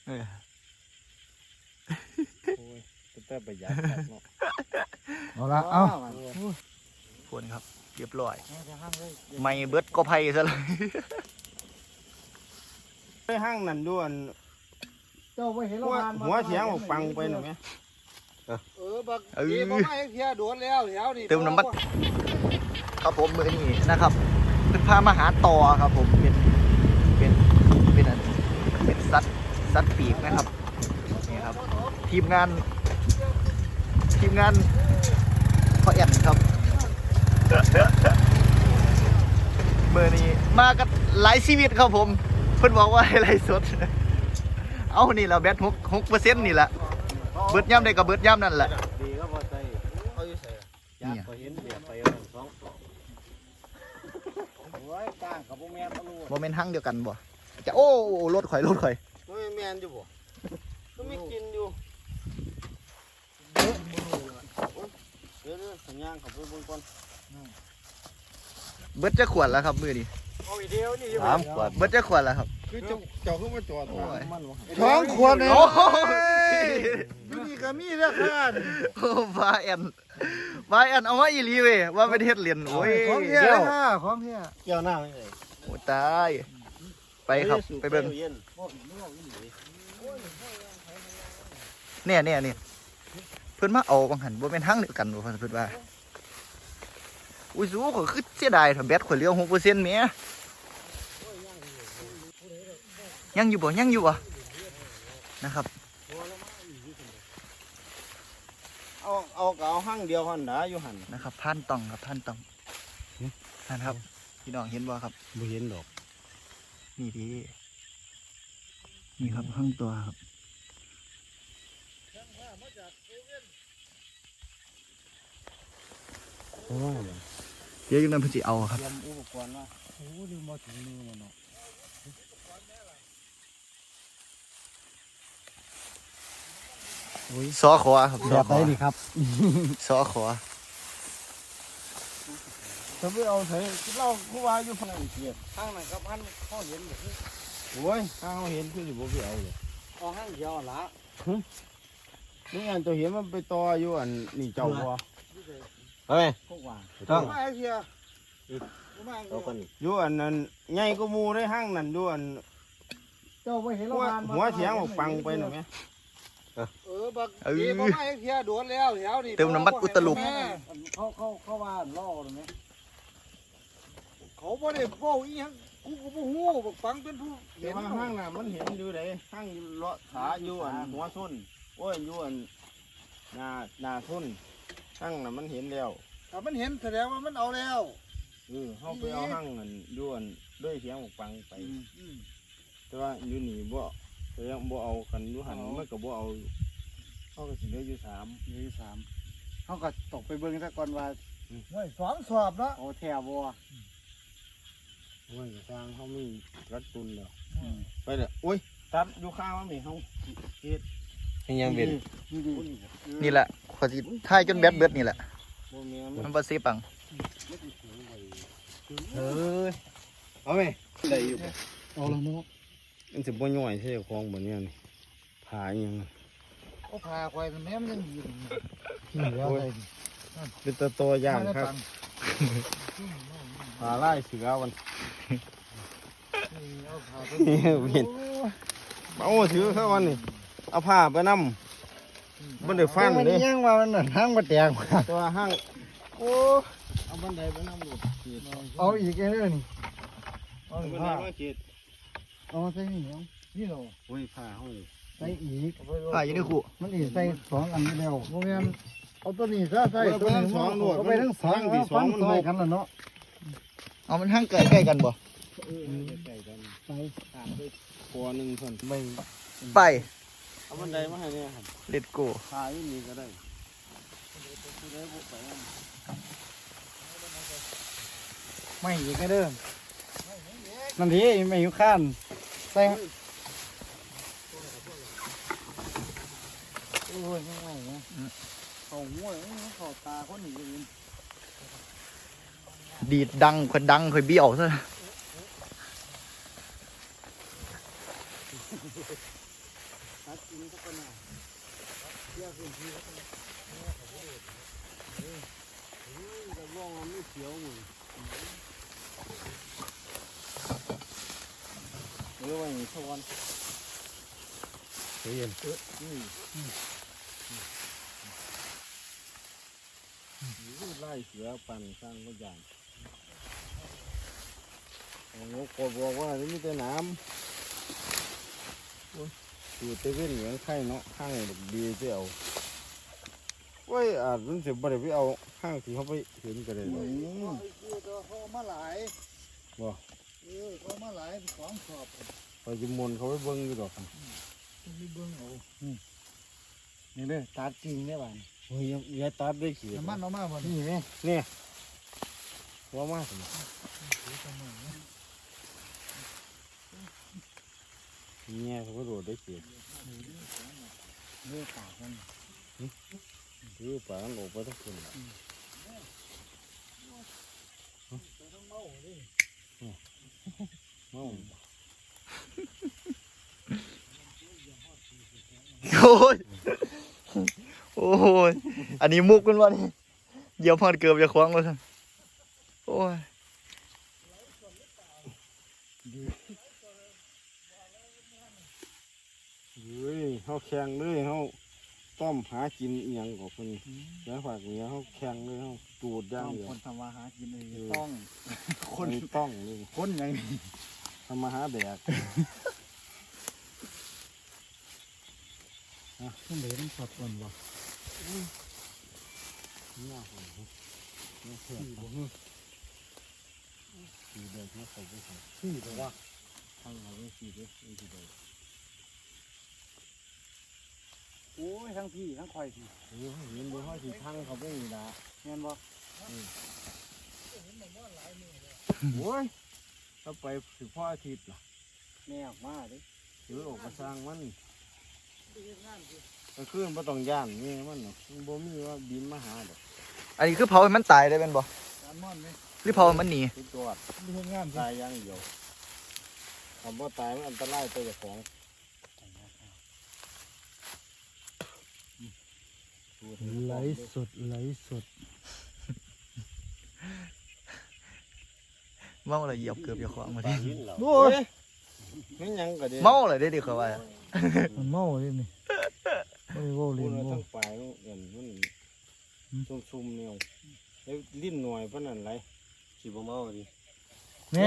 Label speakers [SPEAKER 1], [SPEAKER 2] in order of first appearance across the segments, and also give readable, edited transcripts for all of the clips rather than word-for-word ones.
[SPEAKER 1] โอ้ยแต่ประหยัดเนาะ
[SPEAKER 2] เอาละเอา
[SPEAKER 3] ควรครับเรียบร้อยไม่เบิดก็ไพ่ซะเลย
[SPEAKER 1] ไปห้างนั่นด้วย
[SPEAKER 2] เจ้าไม่เห็น
[SPEAKER 1] หัวเสียงออกปังไปหน่อยไหม
[SPEAKER 2] บักดีบ่มาเพียโดนแล้วแถวนี่
[SPEAKER 3] เติมน้ำมันครับผมมือนี้นะครับเป็นพามาหาต่อครับผมเป็นอันเป็นสัตว์ปีกนะครับนี่ครับทีมงานพ่อแอนครับมือนี้มากันหลายชีวิตครับผมเพิ่นบอกว่าให้ไล่สดเอานี่เราแบต6%นี่แหละเบิดย่ำได้กับเบิดย่ำนั่นแหละ
[SPEAKER 1] ดีก็พอใจเอาอยู่ใส่ยากพอเห็นเบียดไปสองโอ้ยกลางกับพวกแม่มาลูก
[SPEAKER 3] โมเมนต์หั่งเดียวกันบ่จะโอ้รถข่อย
[SPEAKER 1] พวกแม่อยู่บ่ก็ไม่กินอยู่เดี๋ยวสัญญาณของพวกบนก่อน
[SPEAKER 3] เบิดจะขวดแล้วครับมือนี้
[SPEAKER 1] เอาอีเดียวนี่
[SPEAKER 3] 3 ขวดเบิดจะขวดแล้วครับ
[SPEAKER 1] คือเจ้าขึ้นมาจอด
[SPEAKER 3] โอ้ย
[SPEAKER 1] มันวะ
[SPEAKER 2] ท้องขวดเลย
[SPEAKER 3] โอ้ย
[SPEAKER 2] อยู่นี่ก็มีแล้วค่ะ
[SPEAKER 3] โอ้ฟ้าแอนเอามาอีหลีเว้ยว่าเป็นเฮ็ดเหรียญโอ้ย
[SPEAKER 2] ของเพีย
[SPEAKER 3] เดี๋ยว
[SPEAKER 2] ค่ะของเพีย
[SPEAKER 1] เกี่ยวหน้าไม่เลย
[SPEAKER 3] โอ้ตายไปครับไปเบิ่งเนี่ยเพิ่นมาเอาบางหันบ่แม่นหั่งเดียวกันบ่เพิ่นว่าอุ้ยสู้ข่อยคือเสียดายถ้าแบตข่อยเหลือ 6% แหมยังอยู่บ่นะครับ
[SPEAKER 1] เอาห้างเดียวหันดาอยู่หัน
[SPEAKER 3] นะครับพันตองครับพันตองนั่นครับพี่น้องเห็นบ่ครับ
[SPEAKER 1] บ่เห็นดอก
[SPEAKER 3] นี่ดีนี่ครับข้างตัวครับเดี๋ยวยังนั้นเพิ่นสิเอาครับ
[SPEAKER 1] เตรียมอุปกรณ์ว่า
[SPEAKER 2] โอ้ดูมาถึงมือมันเนาะ
[SPEAKER 3] ซอขอครับซอ
[SPEAKER 2] แบบ
[SPEAKER 3] ข
[SPEAKER 2] ไหน
[SPEAKER 3] อ
[SPEAKER 2] นี่ครับ
[SPEAKER 3] ซอขอ
[SPEAKER 1] ถ้าไปเอาใส่เราผู้ว่าอยู่ฝั่งนั้นเกียรข้างนั้นครับพันเขาเห็นบ่โอ้ยข้างเขาเห็นคือสิบ่ไปเอาเลย
[SPEAKER 2] เอาห้างเดียวละ
[SPEAKER 1] นี่อันตัวเห็นมันไปต่ออยู่อันนี่เจ้าบ่เฮ้ย
[SPEAKER 2] พวกว่า
[SPEAKER 1] ต้อง
[SPEAKER 2] มาเพียมา
[SPEAKER 1] อยู่อันนั้นใหญ่ก็มูได้ห้างนั่นอยู่อัน
[SPEAKER 2] เจ้าไม่เห็น
[SPEAKER 1] หัวเสียงออกปังไปหน่อยไหม
[SPEAKER 2] บักดีบ่มาเพียโดนแล้วแถวนี่
[SPEAKER 3] เติมน้ำมันอุตลุก
[SPEAKER 2] เขาว่าล่อเลยไหมเขาบ่ได้เว้าอีหยังกูก็บ่ฮู้บักฟังเป็นผู้
[SPEAKER 1] เดี๋ยวห้างน่ะมันเห็นอยู่ไหนห้างเลาะขาอยู่อันหัวส้นโอ้ยอยู่อันหน้าส้นห้างน่ะมันเห็นแล้ว
[SPEAKER 2] ถ้ามันเห็นแสดงว่ามันเอาแล้ว
[SPEAKER 1] เขาไปเอาห้างนั่นอยู่อันด้วยเสียงออกปังไปแต่ว่าอยู่นี่บ่แต่ยังบ่เอากันอยู่หันมันก็บ่เอาเขาก็สิเหลืออยู่3
[SPEAKER 2] เขาก็ตกไปเบิ่งซะก่อนว่า2 สอบเนาะโอ้แถวบ่
[SPEAKER 1] โอ้ยทางเขามีรัดตุนแล้วไปเลยโอ้ยตัดอยู่ข้างมันมีเขาเฮ็ดยังเป็น
[SPEAKER 3] นี่แหละขอสิท้ายจนแบตเบิดนี่แหละ
[SPEAKER 1] บ่มี
[SPEAKER 3] มันบ่สิปัง
[SPEAKER 1] เอาไหมได้อยู่
[SPEAKER 2] เอาละเนาะ
[SPEAKER 1] มันสิบ่ย่อยใช่ของบ่เนี่ยนี่ผาอีหยัง
[SPEAKER 2] โอ้พาควายแม่มันยังดีนี่แล้วได้
[SPEAKER 1] เป็นตัวอย่างครับผาไล่เสือวัน
[SPEAKER 2] เอาพาไป
[SPEAKER 1] นี่เห็นเอาถือเข้าวันนี่เอาผ้าไปนำบ่ได้ฟัน
[SPEAKER 2] มัน
[SPEAKER 1] เด้
[SPEAKER 2] ยังว่ามันห้างบ่แตก
[SPEAKER 1] ตัวห้างโอ้เอาบันไดไปนำลูก
[SPEAKER 2] เอาอีกเด้อนี่เอา
[SPEAKER 1] เอาบันได
[SPEAKER 2] ผ้า
[SPEAKER 1] มาขีด
[SPEAKER 2] เอาใส่นี่เนาะนี่เนาะ
[SPEAKER 1] โอ้ยผ้าเฮานี่
[SPEAKER 2] ใส่อีก
[SPEAKER 3] อยู่ในคู่
[SPEAKER 2] มันอีกใส่2 อันนี้แล้วบ่แม่นเอาตัวนี้ซะใส่
[SPEAKER 1] เอาไปทั้งสองโลด
[SPEAKER 2] เอาไปทั้งสอง
[SPEAKER 1] ที่สองมัน
[SPEAKER 2] ใส่
[SPEAKER 1] หก
[SPEAKER 2] กันแล้วเนาะ
[SPEAKER 3] เอามันหั่งใกล้กันบ่
[SPEAKER 1] ใกล้กัน
[SPEAKER 2] ใส่
[SPEAKER 1] ตามด้วยคอหนึ่งคน
[SPEAKER 2] ไม่
[SPEAKER 3] ไป
[SPEAKER 1] เอาบันไดมาให้เนี่ยครับ
[SPEAKER 3] เลตโก้
[SPEAKER 1] พาอยู่นี่ก็ได้
[SPEAKER 2] ไม่อีกเด้อนั่นทีไม่อยู่ข้านใส่โอ้ยง่ายๆนะเขาหัวเขาตาคนนี้อยู่
[SPEAKER 3] ดีดดังข่อยเบี้ยวซะ
[SPEAKER 2] กินสักคนน่ะเที่ยวพื้นที่แล้วกันแต่ว่ามันไม่เขียวเหมือน
[SPEAKER 1] หรือว่าอย่างนี้ทุกวัน
[SPEAKER 2] เย็น
[SPEAKER 1] ไล่เสือปั่นสร้างก็อย่างงกดบอกว่านี่มีแต่น้ำอยู่เตเว่นเหลืองไข่เนาะห้างดีที่เอาเว้ยอาจมันจะบ่ได้ไปเอาห้างที่เขาไปเห็นกันเลย
[SPEAKER 2] เขามาหลาย
[SPEAKER 1] บ่
[SPEAKER 2] เขามาหลายของสอบ
[SPEAKER 1] ไปจิมนเขาไปเบิ้งอยู่ดอก
[SPEAKER 2] มีเบิ้งเอานี่เด้อตัดจริงได้บ้าน
[SPEAKER 1] โอ้ยอย่าตัดได้ขี้
[SPEAKER 2] น้ำมันเอามาบ่
[SPEAKER 1] นี่นี่นี่ว่ามาสิเนี่ยเขาก็โดดได้ขี้
[SPEAKER 2] เลือปากมัน
[SPEAKER 1] คือป่ามันออกไปทั้งคนเมา
[SPEAKER 3] โอ้ยโอ้ยอันนี้มุกกันวะนี่เดี๋ยวพอดเกือบจะคว้างแล้วท่านโอ้ย
[SPEAKER 1] เฮ้ยเขาแข่งเลยเขาต้มหากินอหย่างกับคนแล้วฝากเนี้ยเขาแข่งเลยเขาจูดย่างเดียว
[SPEAKER 2] คนทำมาหากินเลยต้อง
[SPEAKER 1] คนต้องเลย
[SPEAKER 2] คนไง
[SPEAKER 1] ทำมาหาแดก
[SPEAKER 2] ต้องเหลือต้องสอดก่อนวะ
[SPEAKER 1] เนี่ยผมเนี่ยเพื่อนสีเด็กเนี่ยเขาไปใส่
[SPEAKER 2] ที่แต่ว่า
[SPEAKER 1] ทางเราไม่สีเด็กไม่สีเด็ก
[SPEAKER 2] โอ้ยทั้งพี่ทั้งคอยพี่
[SPEAKER 1] เห็นดูเขาสีทางเขาไม่มีละ
[SPEAKER 2] เงี้ยบ่
[SPEAKER 1] โอ้ยถ้าไปถึงพ่ออาทิตย์ล่ะ
[SPEAKER 2] แม่ออกมาดิ
[SPEAKER 1] หรือออกมาสร้างมันก็ขึ้นมาต้องย่านนี่มันเนาะมันบ่มีว่าบินมาหาดอก
[SPEAKER 3] อันนี้คือเผาให้มันตายได้เป็นบ่
[SPEAKER 2] การม่อนไหม
[SPEAKER 3] หรือเผาให้มันหนี
[SPEAKER 1] ติดตัว
[SPEAKER 2] เรื่องงาน
[SPEAKER 1] ตายอย่างเดียวคำว่าตายมันอันตรายตัวเจ้าของ
[SPEAKER 2] ไหลสดไหลสด
[SPEAKER 3] เมาเลยเหยียบเกือบจะคว้างมาที่
[SPEAKER 2] โอ้ย
[SPEAKER 1] ไม่ยังก็เดี๋ยว
[SPEAKER 3] เมาเลยได้ดีเขาว่า
[SPEAKER 2] มันเมาเลยนี่ไม่ได้ว่า
[SPEAKER 1] พู
[SPEAKER 2] เล่
[SPEAKER 1] ด
[SPEAKER 2] น
[SPEAKER 1] ว่า
[SPEAKER 2] บ่
[SPEAKER 1] ทั้งปลายมันซุ่มๆเนี่ยแล้วลิ้นหน่อยปานนั้นไรสิบ่เมาดิ
[SPEAKER 2] เนี่ย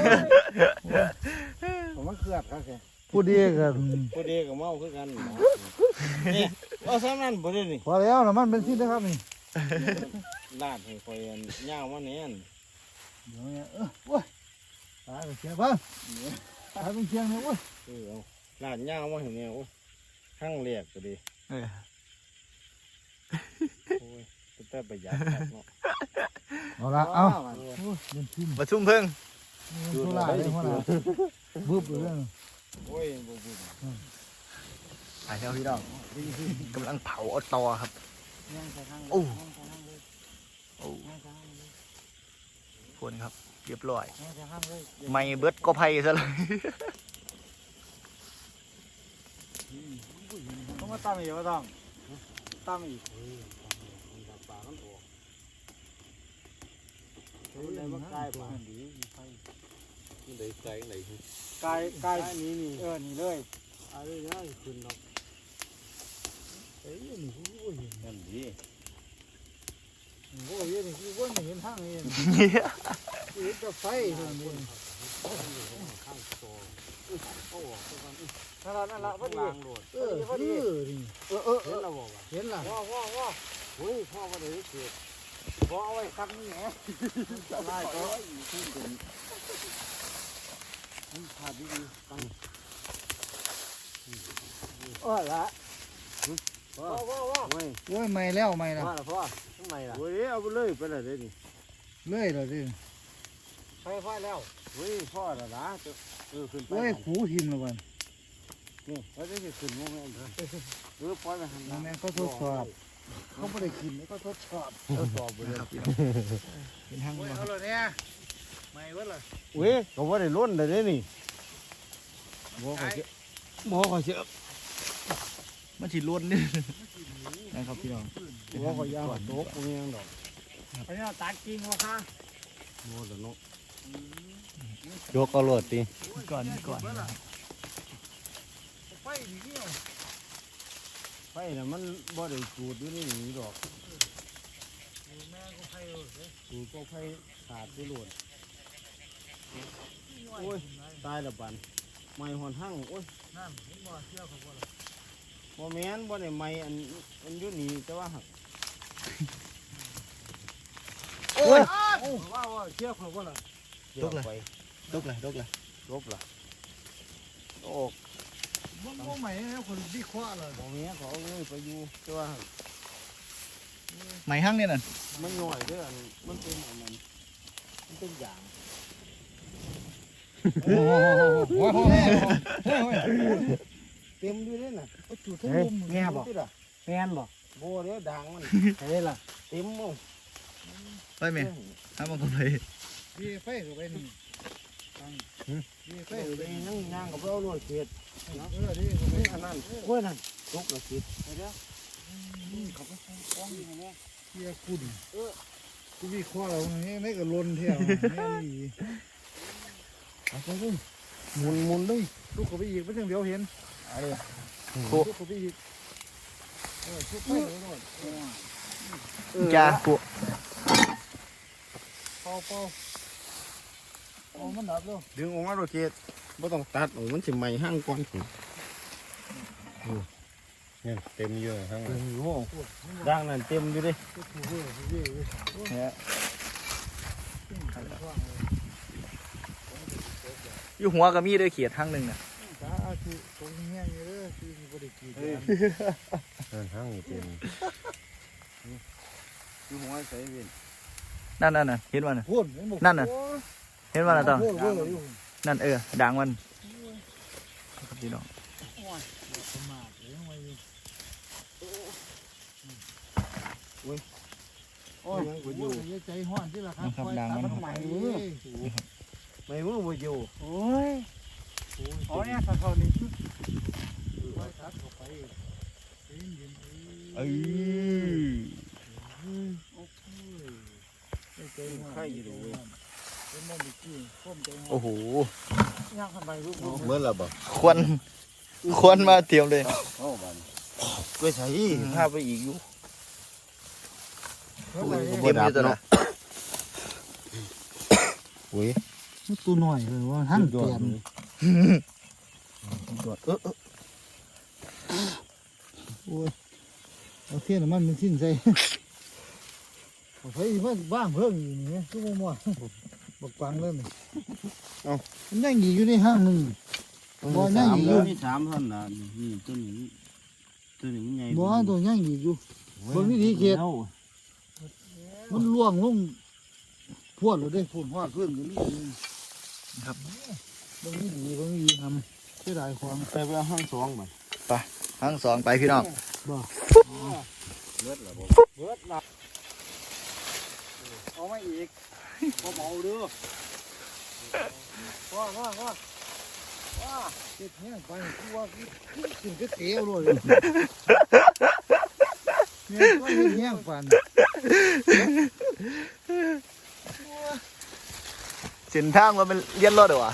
[SPEAKER 1] ผมมันเครียดครับแก
[SPEAKER 2] พูดดีกัน
[SPEAKER 1] พอดีกับเมาคือกันนี่เอาซ้ำนั่นบ่ได้นี่
[SPEAKER 2] พอแล้วนะมันเป็นที่นะครับนี่
[SPEAKER 1] ลาดให้คอยย่าวมาแน่น
[SPEAKER 2] เดี๋ยวเนี่ยโอ้ยตายไปเชียร์บ้างตายเป็นเชียงเลยโอ้ย
[SPEAKER 1] เอาลาดย่าวมาให้แนวข้างเรียกก็ดี
[SPEAKER 3] เออ
[SPEAKER 1] โอ้ยแต่ประหยัดครับเนาะ
[SPEAKER 2] เอาละเอาโอ้ยเป็นทิม
[SPEAKER 3] มาซุ่มเพิ่ง
[SPEAKER 2] เป็นทุลาเลยหัวหน้าบึ้บเลย
[SPEAKER 1] โอ้ยบ่บุญ
[SPEAKER 3] หายแล้วพี่น้องกำลังเผาเอาตอครับโอ้โอ้คนครับเรียบร้อยไม่เบิดก็ไผ่ซะเลย
[SPEAKER 2] ต้องมาตั้มอีกว่าต้องตั้มอีก
[SPEAKER 1] ปากมันออกได้มาใกล้ปากดีมันได้ไกลไหน
[SPEAKER 2] กาย
[SPEAKER 1] นี่นี่
[SPEAKER 2] นี่เลย
[SPEAKER 1] อะไรนะขึ้นดอก
[SPEAKER 2] เอ้ยนี่กูก็เห็น
[SPEAKER 1] นั่นดี
[SPEAKER 2] โอ้ยนี่กูก็เห็นทางนี้เห็นแต่ไฟเท่านั้นเอง
[SPEAKER 1] ข้างโซ่เอาออกไปก่อน
[SPEAKER 2] นั่นละพอดี
[SPEAKER 1] ล้างโดด
[SPEAKER 2] พอดีนี่
[SPEAKER 1] เห็นแล้วบอกว่า
[SPEAKER 2] เห็นล่ะ
[SPEAKER 1] ว้าเฮ้ยพ่อมาได้เกิดพ่อเอาไว้คันนี้แหมจะไล่ก็ขึ้นเป็นขาดดีๆตั้ง
[SPEAKER 2] ละ
[SPEAKER 1] ว้าเฮ้ย
[SPEAKER 2] โอ้ยไม่แล้วไม่ละ
[SPEAKER 1] ว่าละพ่อทำไมล่ะเฮ้ยเอาไปเลยไปเลยนี่
[SPEAKER 2] เลยละสิ
[SPEAKER 1] ไฟแล้วเฮ้ยพ่อละนะขึ้นไป
[SPEAKER 2] โอ้ยขู่หินละวัน
[SPEAKER 1] นี่แล้วจะขึ้นโมเมนต์หรือปล่อยไปหันห
[SPEAKER 2] นั่
[SPEAKER 1] น้าน
[SPEAKER 2] แม่ก็ทดสอบเขาไม่ได้กินก็ทดสอบ
[SPEAKER 1] ทดสอบไปเลย
[SPEAKER 3] เป็นทาง
[SPEAKER 2] โอ้ย
[SPEAKER 3] บ่
[SPEAKER 2] เอาเลยเนี่ยไม่เว้ยล่ะ
[SPEAKER 1] เว้ยก็ว่าได้ล้นเลยนี่บ่ขอเชื่อ
[SPEAKER 3] มันสิล้นนี่นะครับพี่น้อง
[SPEAKER 1] ว่าก็ยาวโต๊ะกูยังดอก
[SPEAKER 2] ไปเนี่ยตัดกิ่งวะค่ะ
[SPEAKER 1] โม่แล้วเนาะ
[SPEAKER 4] ยกเอาโลดติ
[SPEAKER 3] ก่อน
[SPEAKER 2] ไฟดีเนี่ย
[SPEAKER 1] ไฟน่ะมันบ่ได้จูดอยู่ในนี้ดอก
[SPEAKER 2] แม่ก็ไฟเลย
[SPEAKER 1] จูดก็ไฟขาดไปโลดโอ้ยตายและบันไม้หอนหั่งโอ้ย
[SPEAKER 2] นั่นเห็นบ่เชี่ยวเขาบ่ล่ะ
[SPEAKER 1] บ่แม่นบ่ได้ไม้อันอยู่นี่แต่ว่าหัก
[SPEAKER 3] โอ้ย
[SPEAKER 2] ว่าเชี่ยวเขาบ่ล่ะ
[SPEAKER 1] เกี่ยวไป
[SPEAKER 3] ลกเลย
[SPEAKER 1] ลบล่ะโอ้
[SPEAKER 2] มันใหม่แล้วคนวิเคราะห์เลย
[SPEAKER 1] บ่แม่นเขาเอาเลยไปอยู่แต่ว่าหัก
[SPEAKER 3] ไหมหั่งเนี่ยน่ะ
[SPEAKER 1] มันหน่อยเด้ออันมันเป็นอันนั้นมันเป็นอย่าง
[SPEAKER 2] โอ้โห
[SPEAKER 1] เต็มอยู่เด้อน่ะ
[SPEAKER 2] จุดทั้งมุมแง่บ่
[SPEAKER 1] ติดอ่ะ
[SPEAKER 2] แฟนบ่
[SPEAKER 1] บ่เด้อด่างมัน
[SPEAKER 2] เฮ้ยล่ะ
[SPEAKER 1] เต็มหมด
[SPEAKER 3] ไปแม่หามันก็ไป
[SPEAKER 2] พี่ไฟเข้าไปนี่พี่ไฟ
[SPEAKER 1] ไป
[SPEAKER 2] เข้าไป
[SPEAKER 1] นั่งย่างกับเราโลดเขต
[SPEAKER 2] ดิ
[SPEAKER 1] นี่อันนั้นโอ้ยนั่นตกละสิไปเด้อ
[SPEAKER 2] เขาไปฟ้องอย่างนี้เชี่ยคุณกูวิเคราะห์เราเนี่ยไม่ก็ล้นเที่ยวแม่นี่
[SPEAKER 1] เอาไปเลยหมุนเลย
[SPEAKER 2] ลูกเขาไปอีกไม่ถึงเดี๋ยวเห็น
[SPEAKER 1] อะไร
[SPEAKER 2] ลูกเขาไปอีกชุบไปเลยหน่อย
[SPEAKER 3] จ้าปุ๊
[SPEAKER 2] เป่ามันดับแล้ว
[SPEAKER 1] ดึงออกมาโลดเขตบ่ต้องตัดออกมันสิไหม้หั่งก่อน
[SPEAKER 4] เนี่ยเต็มเยอะทั้งนั้น
[SPEAKER 1] โอ้ด่างนั่นเต็มอยู่เด้
[SPEAKER 3] อยู่หัวก็มีเด้อเขียดหั่งหนึงน่ะ
[SPEAKER 2] จ้าคือตรงนี้นี่เด้อคือมีบริกี
[SPEAKER 4] ทั้งนี้เต็ม
[SPEAKER 1] อยู่หัวใส่เว้น
[SPEAKER 3] นั่นเห็นว่าน่ะ
[SPEAKER 2] พ่น
[SPEAKER 3] เห็นว่าน่ะตอง
[SPEAKER 2] พ่นอยู่
[SPEAKER 3] นั่นด่างมันครับพี่น้อง
[SPEAKER 2] ประมาทเลยมาอยู่
[SPEAKER 1] โอ้ยยังบ่อยู่
[SPEAKER 2] ใจห้อนที่ละครับ
[SPEAKER 1] ใหม่มือบ่อยู่
[SPEAKER 2] โอ้ยอ๋อเนี่ยเขานี่ไว้ทัดเข้าไปเย็น
[SPEAKER 3] เอ้ย
[SPEAKER 2] ใจห้อน
[SPEAKER 1] ไข่อยู่ดูเว้ย
[SPEAKER 2] เป็นบ่มีกี้พ่มใจห้อน
[SPEAKER 3] โอ้โห
[SPEAKER 2] ย่างทำไมลูก
[SPEAKER 4] เมื่อละบ่
[SPEAKER 3] ควรมาเตรียมเลย
[SPEAKER 4] โอ้บัน
[SPEAKER 1] ไปใส่พาไปอีกอยู่
[SPEAKER 3] เตรียมอยู่ตัวน่ะ
[SPEAKER 1] อุ้ย
[SPEAKER 2] ตัวหน่อยเลยว่าท่านเปลี่ยนโอ้ยเอาเทียนมันเป็นสิ้นใจเฮ้ยมันบ้างเพิ่งอยู่นี่ชั่วโมงบักปังเลยมันยังอยู่ในห้างนึงบ่ยังอยู่
[SPEAKER 1] มี3ท่านน่ะนี่ตัวนี้มันใหญ่
[SPEAKER 2] บ่ตัวยังอยู่บนวิธีเขตมันล่วงลงพวดเลยได้ฝุ่นหอดเพื่อนกันนี่
[SPEAKER 3] ครับ
[SPEAKER 2] บางทีดีบางทีทำเสียดายความ
[SPEAKER 1] ไปเอาหั่งสองบัด
[SPEAKER 3] หั่งสองไปพี่น้อง
[SPEAKER 1] เบิดละเอามาอีกบ่เมาเด้อ
[SPEAKER 2] ว่าเจ็บแห้งไปคือว่ากินก็เสียวเลยเนี่ยก็แห้งปัน
[SPEAKER 3] เส้นทางว่ามันเลียนรถเหรอวะ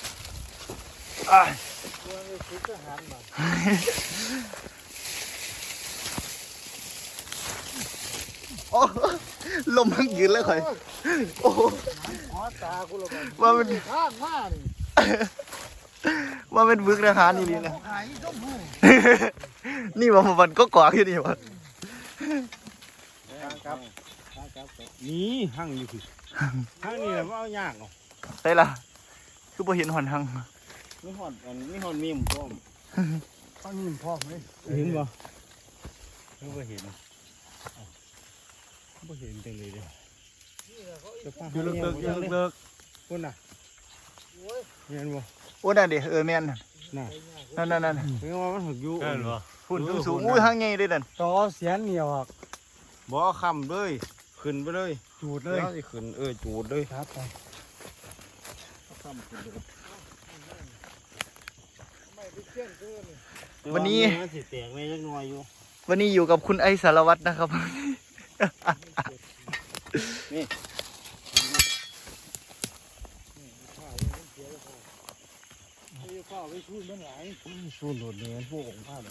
[SPEAKER 3] โอ้ลมมันยืนเลยข่อยโอ้
[SPEAKER 2] ขอตากูละกัน
[SPEAKER 3] ว่ามัน
[SPEAKER 2] ข้างมานี่
[SPEAKER 3] ว่าเป็นบึกอาหารนี่ดีนะ
[SPEAKER 2] หายชมพู
[SPEAKER 3] นี่ว่ามันก็กวากอยู่นี่วะ
[SPEAKER 1] ครับนี่หั่งอยู่คือหั่งนี่แหละว่าเอายากเนาะ
[SPEAKER 3] ได้ละคือพอเห็นหอนหัง
[SPEAKER 1] มีหอดมีมพร้อม
[SPEAKER 2] ข้างนี้พร้อมเลย
[SPEAKER 1] เห็นบ่บ่เห็นบ่เห็นจังเลยเด้ออยู่เลิกพุ่นน่ะเห็นบ่
[SPEAKER 3] โอ้นั่นดิแม่น
[SPEAKER 1] น่ะ
[SPEAKER 3] นั่น
[SPEAKER 1] เห็นว่ามันหึกอยู่
[SPEAKER 3] ฝุ่นสูงอุ้ยหังใหญ่เลยนั่น
[SPEAKER 2] ต่อเสียนเหนียวอ่ะ
[SPEAKER 1] บ่ค้ำเลยขึ้นไปเลย
[SPEAKER 2] จูดเลย
[SPEAKER 1] แล้วสิขึ้นจูดเลย
[SPEAKER 2] ครับไป
[SPEAKER 1] ค้ำขึ้นเลย
[SPEAKER 2] ไม่ไปเชี่ยนเกิน
[SPEAKER 3] วันนี้
[SPEAKER 1] มันสิแตกไม่จักหน่อยอยู่
[SPEAKER 3] วันนี้อยู่กับคุณไอสารวัตรนะครับ
[SPEAKER 2] ข้าวไปชูมันหลาย
[SPEAKER 1] สู้โดดเนี่ยพวกของข้าแบบ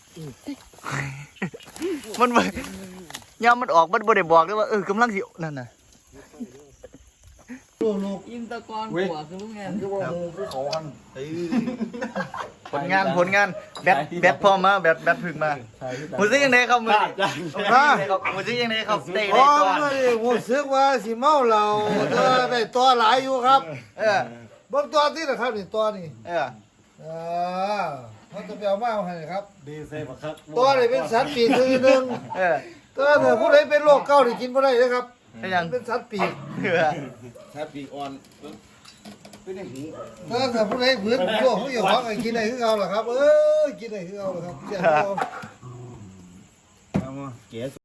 [SPEAKER 3] มันบ่ยามมันออกมันบ่ได้บอกเลยว่ากำลังสินั่นน่ะ
[SPEAKER 5] อินตะกอนหัวคือลูกแงน
[SPEAKER 2] คือว่าหมู่ภูเขาหัน
[SPEAKER 3] ผลงานแบตพร้อมมาแบตพึ่งมามือซิยังไงครับมือมือซิยังไงครับได้
[SPEAKER 2] อ๋
[SPEAKER 3] ได้
[SPEAKER 2] อ
[SPEAKER 3] ตัว
[SPEAKER 2] ไม่ได้ผมซึกว่าสิเมาเหล้าแต่ได้ตัวหลายอยู่ครับ
[SPEAKER 3] เออ
[SPEAKER 2] เบิ่งตัวที่นะครับนี่ตัวนี่
[SPEAKER 3] เออ
[SPEAKER 2] เขาจะไปเอามาให้ครับ
[SPEAKER 1] ดีเซ่บักครับ
[SPEAKER 2] ตัวนี่เป็นสัตว์ปีกคือหนึง
[SPEAKER 3] เออ
[SPEAKER 2] ตัวถ้าผู้ใดเป็นโรคเกาต์นี่กินบ่ได้เลยครับ
[SPEAKER 3] เป็นยัง
[SPEAKER 2] เป็นสัตว์ปีก
[SPEAKER 3] เออ
[SPEAKER 1] ถ้าปีกอ่อนเป็นอย่างนี้
[SPEAKER 2] ถ้าผู้ใดผืนโรคเขาอยู่ห้องกินได้คือเอาล่ะครับกินได้คือเอาล่ะครับเจ้า
[SPEAKER 1] เอามาเก๋